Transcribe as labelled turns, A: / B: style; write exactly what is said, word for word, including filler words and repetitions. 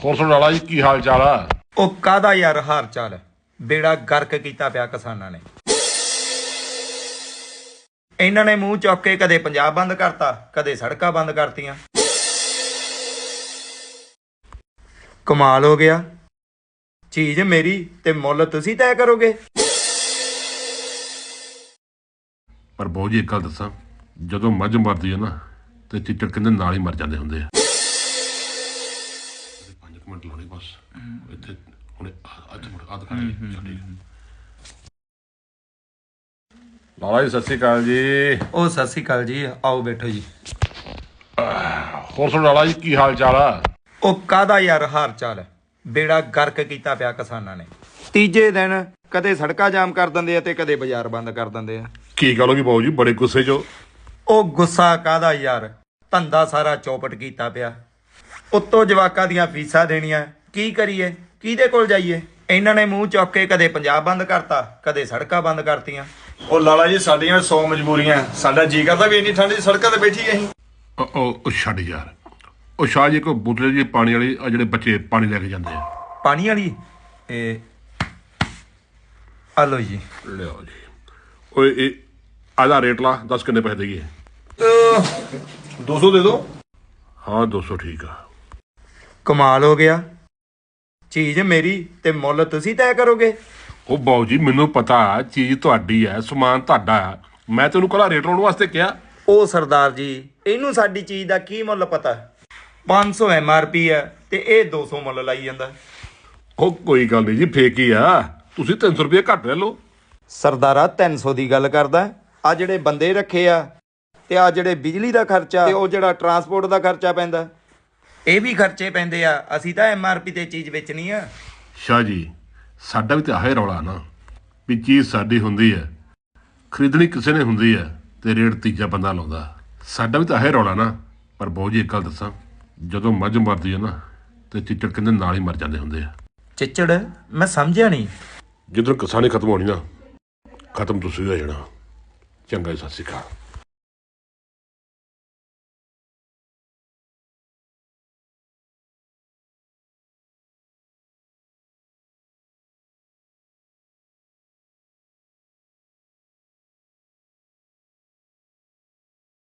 A: ਹੋਰ ਸੁਣ ਲਾਲਾ ਜੀ ਕੀ ਹਾਲ ਚਾਲ ਆ?
B: ਉਹ ਕਾਹਦਾ ਯਾਰ ਹਾਰ ਚਾਲ, ਬੇੜਾ ਗਰਕ ਕੀਤਾ ਪਿਆ ਕਿਸਾਨਾਂ ਨੇ। ਇਹਨਾਂ ਨੇ ਮੂੰਹ ਚੁੱਕ ਕੇ ਕਦੇ ਪੰਜਾਬ ਬੰਦ ਕਰਤਾ, ਕਦੇ ਸੜਕਾਂ ਬੰਦ ਕਰਤੀਆਂ। ਕਮਾਲ ਹੋ ਗਿਆ। ਚੀਜ਼ ਮੇਰੀ ਤੇ ਮੁੱਲ ਤੁਸੀਂ ਤੈਅ ਕਰੋਗੇ।
A: ਪਰ ਬਹੁਤ ਜੀ ਇੱਕ ਗੱਲ ਦੱਸਾਂ, ਜਦੋਂ ਮੱਝ ਮਰਦੀ ਹੈ ਨਾ ਤੇ ਚਿੱਚੜ ਕਹਿੰਦੇ ਨਾਲ ਹੀ ਮਰ ਜਾਂਦੇ ਹੁੰਦੇ ਆ। ਪੰਜ ਕੁ ਮਿੰਟ ਲਾਉਣੇ ਬਸ ਇੱਥੇ ਹੁਣ ਅੱਜ ਮੁੜ ਆ ਦਿਖਾਣੀ ਛੱਡੀ। ਲਾਲਾ ਜੀ ਸਤਿ ਸ਼੍ਰੀ ਅਕਾਲ ਜੀ।
B: ਉਹ ਸਤਿ ਸ਼੍ਰੀ ਅਕਾਲ ਜੀ, ਆਓ ਬੈਠੋ ਜੀ।
A: ਹੋਰ ਸੁਣ ਲਾਲਾ ਜੀ ਕੀ ਹਾਲ ਚਾਲ ਆ?
B: ਉਹ ਕਾਹਦਾ ਯਾਰ ਹਾਰ ਚਾਲ, ਬੇੜਾ ਗਰਕ ਕੀਤਾ ਪਿਆ ਕਿਸਾਨਾਂ ਨੇ। ਤੀਜੇ ਦਿਨ ਕਦੇ ਸੜਕਾਂ ਜਾਮ ਕਰ ਦਿੰਦੇ ਆ ਤੇ ਕਦੇ ਬਾਜ਼ਾਰ ਬੰਦ ਕਰ ਦਿੰਦੇ ਆ।
A: ਕੀ ਗੱਲ ਹੋ ਗਈ ਬਾਊ ਜੀ, ਬੜੇ ਗੁੱਸੇ ਚ?
B: ਉਹ ਗੁੱਸਾ ਕਾਹਦਾ ਯਾਰ, ਧੰਦਾ ਸਾਰਾ ਚੌਪਟ ਕੀਤਾ ਪਿਆ। ਉੱਤੋਂ ਜਵਾਕਾਂ ਦੀਆਂ ਫੀਸਾਂ ਦੇਣੀਆਂ, ਕੀ ਕਰੀਏ, ਕਿਹਦੇ ਕੋਲ ਜਾਈਏ। ਇਹਨਾਂ ਨੇ ਮੂੰਹ ਚੁੱਕ ਕੇ ਕਦੇ ਪੰਜਾਬ ਬੰਦ ਕਰਤਾ, ਕਦੇ ਸੜਕਾਂ ਬੰਦ ਕਰਤੀਆਂ।
C: ਉਹ ਲਾਲਾ ਜੀ ਸਾਡੀਆਂ ਸੌ ਮਜਬੂਰੀਆਂ, ਸਾਡਾ ਜੀ ਕਰਦਾ ਵੀ ਇੰਨੀ ਠੰਡ 'ਚ ਸੜਕਾਂ ਤੇ ਬੈਠੀ ਅਸੀਂ।
A: ਉਹ ਉਹ ਛੱਡ ਯਾਰ, ਉਹ ਸ਼ਾਹ ਜੀ ਕੋਈ ਬੋਤਲ ਜੀ ਪਾਣੀ ਵਾਲੀ, ਆ ਜਿਹੜੇ ਬੱਚੇ ਪਾਣੀ ਲੈ ਕੇ ਜਾਂਦੇ ਆ
B: ਪਾਣੀ ਵਾਲੀ, ਇਹ ਆ ਲਓ ਜੀ।
A: ਲਿਆਓ ਜੀ। ਓਏ ਇਹ ਆਦਾ ਰੇਟ ਲਾ, ਦੱਸ ਕਿੰਨੇ ਪੈਸੇ ਦੇਈਏ?
C: ਦੋ ਸੌ ਦੇ ਦਿਓ।
A: ਹਾਂ ਦੋ ਸੌ ਠੀਕ ਆ।
B: ਕਮਾਲ ਹੋ ਗਿਆ। ਚੀਜ਼ ਮੇਰੀ ਤੇ ਮੁੱਲ ਤੁਸੀਂ ਤੈਅ ਕਰੋਗੇ।
A: ਉਹ ਬਾਊ ਜੀ ਮੈਨੂੰ ਪਤਾ ਚੀਜ਼ ਤੁਹਾਡੀ ਹੈ, ਸਮਾਨ ਤੁਹਾਡਾ ਹੈ, ਮੈਂ ਤੈਨੂੰ ਕੱਲਾ ਰੇਟ ਲਾਉਣ ਵਾਸਤੇ ਕਿਹਾ।
B: ਉਹ ਸਰਦਾਰ ਜੀ, ਇਹਨੂੰ ਸਾਡੀ ਚੀਜ਼ ਦਾ ਕੀ ਮੁੱਲ ਪਤਾ। ਪੰਜ ਸੌ ਐਮ ਆਰ ਪੀ ਹੈ ਤੇ ਇਹ ਦੋ ਸੌ ਮੁੱਲ ਲਾਈ ਜਾਂਦਾ।
A: ਉਹ ਕੋਈ ਗੱਲ ਨਹੀਂ ਜੀ, ਫੇਕ ਹੀ ਆ, ਤੁਸੀਂ ਤਿੰਨ ਸੌ ਰੁਪਏ ਘੱਟ ਲੈ ਲਓ।
B: ਸਰਦਾਰਾ ਤਿੰਨ ਸੌ ਦੀ ਗੱਲ ਕਰਦਾ। ਆ ਜਿਹੜੇ ਬੰਦੇ ਰੱਖੇ ਆ ਤੇ ਆ ਜਿਹੜੇ ਬਿਜਲੀ ਦਾ ਖਰਚਾ ਤੇ ਉਹ ਜਿਹੜਾ ਟਰਾਂਸਪੋਰਟ ਦਾ ਖਰਚਾ ਪੈਂਦਾ, ਇਹ ਵੀ ਖਰਚੇ ਪੈਂਦੇ ਆ। ਅਸੀਂ ਤਾਂ ਐਮ ਆਰ ਪੀ ਤੇ ਚੀਜ਼ ਵੇਚਣੀ ਆ।
A: ਸ਼ਾਹ ਜੀ ਸਾਡਾ ਵੀ ਤਾਂ ਆਹੇ ਰੌਲਾ ਨਾ, ਵੀ ਚੀਜ਼ ਸਾਡੀ ਹੁੰਦੀ ਹੈ, ਖਰੀਦਣੀ ਕਿਸੇ ਨੇ ਹੁੰਦੀ ਹੈ ਤੇ ਰੇਟ ਤੀਜਾ ਬੰਦਾ ਲਾਉਂਦਾ। ਸਾਡਾ ਵੀ ਤਾਂ ਆਹੇ ਰੌਲਾ ਨਾ। ਪਰ ਬਾਊ ਜੀ ਇੱਕ ਗੱਲ ਦੱਸਾਂ, ਜਦੋਂ ਮੱਝ ਮਰਦੀ ਹੈ ਨਾ ਤੇ ਚਿੱਚੜ ਕਹਿੰਦੇ ਨਾਲ ਹੀ ਮਰ ਜਾਂਦੇ ਹੁੰਦੇ ਆ।
B: ਚਿੱਚੜ ਮੈਂ ਸਮਝਿਆ ਨਹੀਂ।
A: ਜਿੱਧਰ ਕਿਸਾਨੀ ਖਤਮ ਹੋਣੀ ਨਾ, ਖਤਮ ਤੁਸੀਂ ਹੋ ਜਾਣਾ। ਚੰਗਾ ਜੀ, ਸਤਿ ਸ਼੍ਰੀ ਅਕਾਲ।